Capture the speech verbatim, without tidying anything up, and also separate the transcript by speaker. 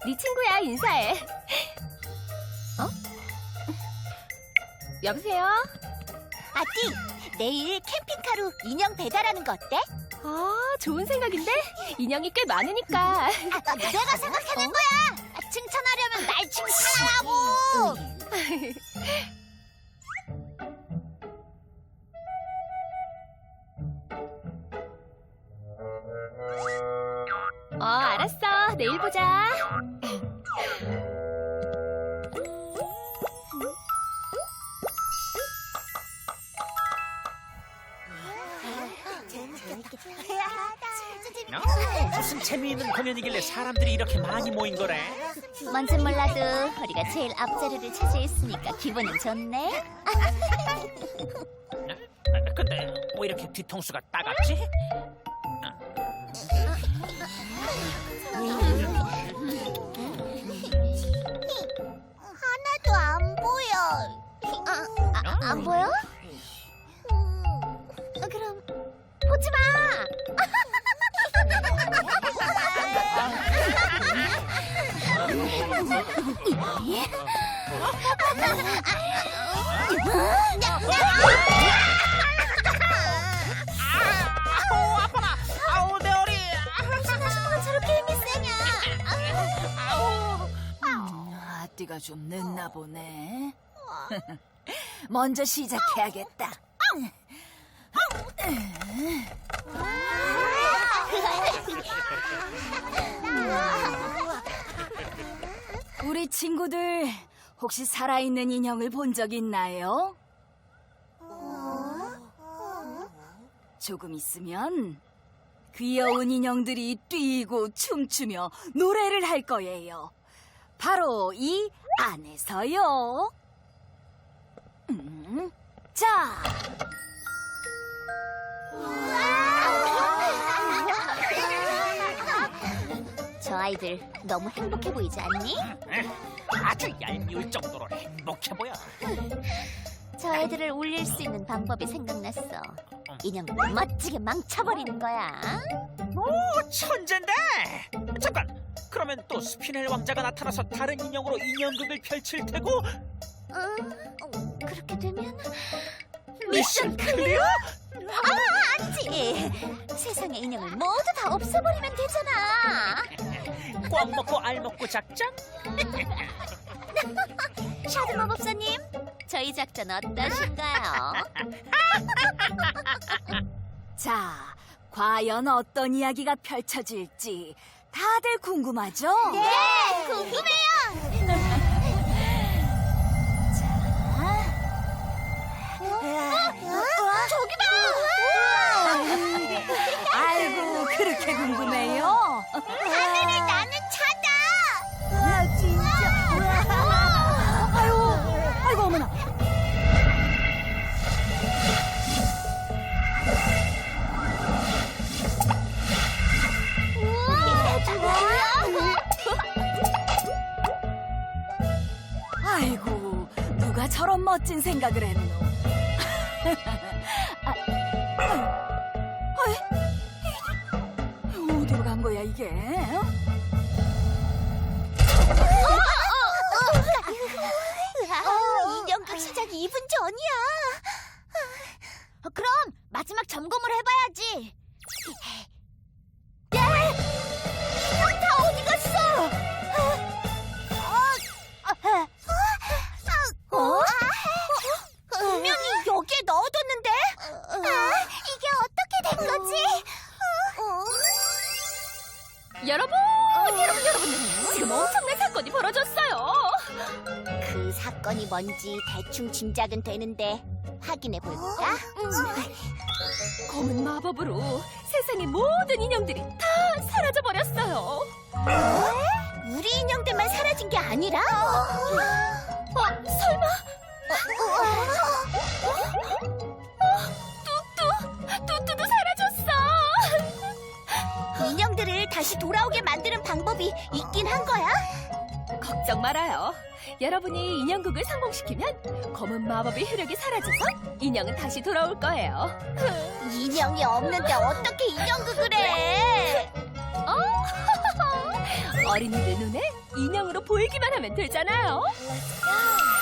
Speaker 1: 네 친구야, 인사해. 어? 여보세요?
Speaker 2: 아띠, 내일 캠핑카로 인형 배달하는 거 어때?
Speaker 1: 아, 좋은 생각인데? 인형이 꽤 많으니까.
Speaker 2: 아, 내가 생각해낸 거야. 아, 칭찬하려면 날 칭찬하라고.
Speaker 1: 어, 알았어. 내일 보자.
Speaker 3: 어? 무슨 재미있는 공연이길래 사람들이 이렇게 많이 모인 거래?
Speaker 2: 뭔진 몰라도 우리가 제일 앞자리를 차지했으니까 기분은 좋네.
Speaker 3: 아, 근데 왜 이렇게 뒤통수가 따갑지?
Speaker 2: 하나도 안 보여. 아, 아, 안 보여? 음, 그럼 보지 마.
Speaker 3: 아우 아파라! 아우 내 허리!
Speaker 2: 저렇게 힘이 세냐?
Speaker 3: 아우!
Speaker 4: 아띠가 좀 늦나 보네. 먼저 시작해야겠다. 우리 친구들 혹시 살아있는 인형을 본 적 있나요? 조금 있으면 귀여운 인형들이 뛰고 춤추며 노래를 할 거예요. 바로 이 안에서요. 음, 자.
Speaker 2: 저 아이들 너무 행복해 보이지 않니?
Speaker 3: 아주 얄미울 정도로 행복해 보여.
Speaker 2: 저 애들을 울릴 수 있는 방법이 생각났어. 인형을 멋지게 망쳐버리는 거야.
Speaker 3: 오 천재인데! 잠깐! 그러면 또 스피넬 왕자가 나타나서 다른 인형으로 인형극을 펼칠 테고
Speaker 2: 음, 어, 그렇게 되면
Speaker 3: 미션 클리어?
Speaker 2: 아니지. 세상의 인형을 모두 다 없애버리면 되잖아.
Speaker 3: 꽉 먹고 알 먹고 작전?
Speaker 2: 샤드 마법사님, 저희 작전 어떠신가요?
Speaker 4: 자, 과연 어떤 이야기가 펼쳐질지 다들 궁금하죠?
Speaker 2: 네, 궁금해요. 저기 봐.
Speaker 4: 아이고, 그렇게 궁금해요?
Speaker 2: 하늘에 나는 차다.
Speaker 4: 아, 진짜. 아유, 아이고, 어머나.
Speaker 2: 우와,
Speaker 4: 아이고, 누가 저런 멋진 생각을 했노? 아, 아이, 아이, 어디로 간 거야, 이게? 어?
Speaker 2: 어, 인형극 시작 이 분 전이야. 어, 그럼 마지막 점검을 해봐야지. 예! 인형 다 어디 갔어? 어? 어? 분명히 여기에 넣어뒀는데? 아, 이게 어떻게 된 거지?
Speaker 1: 여러분, 여러분, 여러분. 지금 엄청난 사건이 벌어졌어요.
Speaker 2: 그 사건이 뭔지 대충 짐작은 되는데 확인해 볼까?
Speaker 1: 검은 마법으로 세상의 모든 인형들이 다 사라져버렸어요.
Speaker 2: 우리 인형들만 사라진 게 아니라?
Speaker 1: 어, 설마? 뚜뚜, 뚜뚜도 사라졌어.
Speaker 2: 인형들을 다시 돌아오게 만드는 방법이 있긴 한 거야?
Speaker 1: 걱정 말아요. 여러분이 인형극을 성공시키면 검은 마법의 효력이 사라져서 인형은 다시 돌아올 거예요.
Speaker 2: 인형이 없는데 어떻게 인형극을 해?
Speaker 1: 어? 어린이들 눈에 인형으로 보이기만 하면 되잖아요.
Speaker 2: Let's go.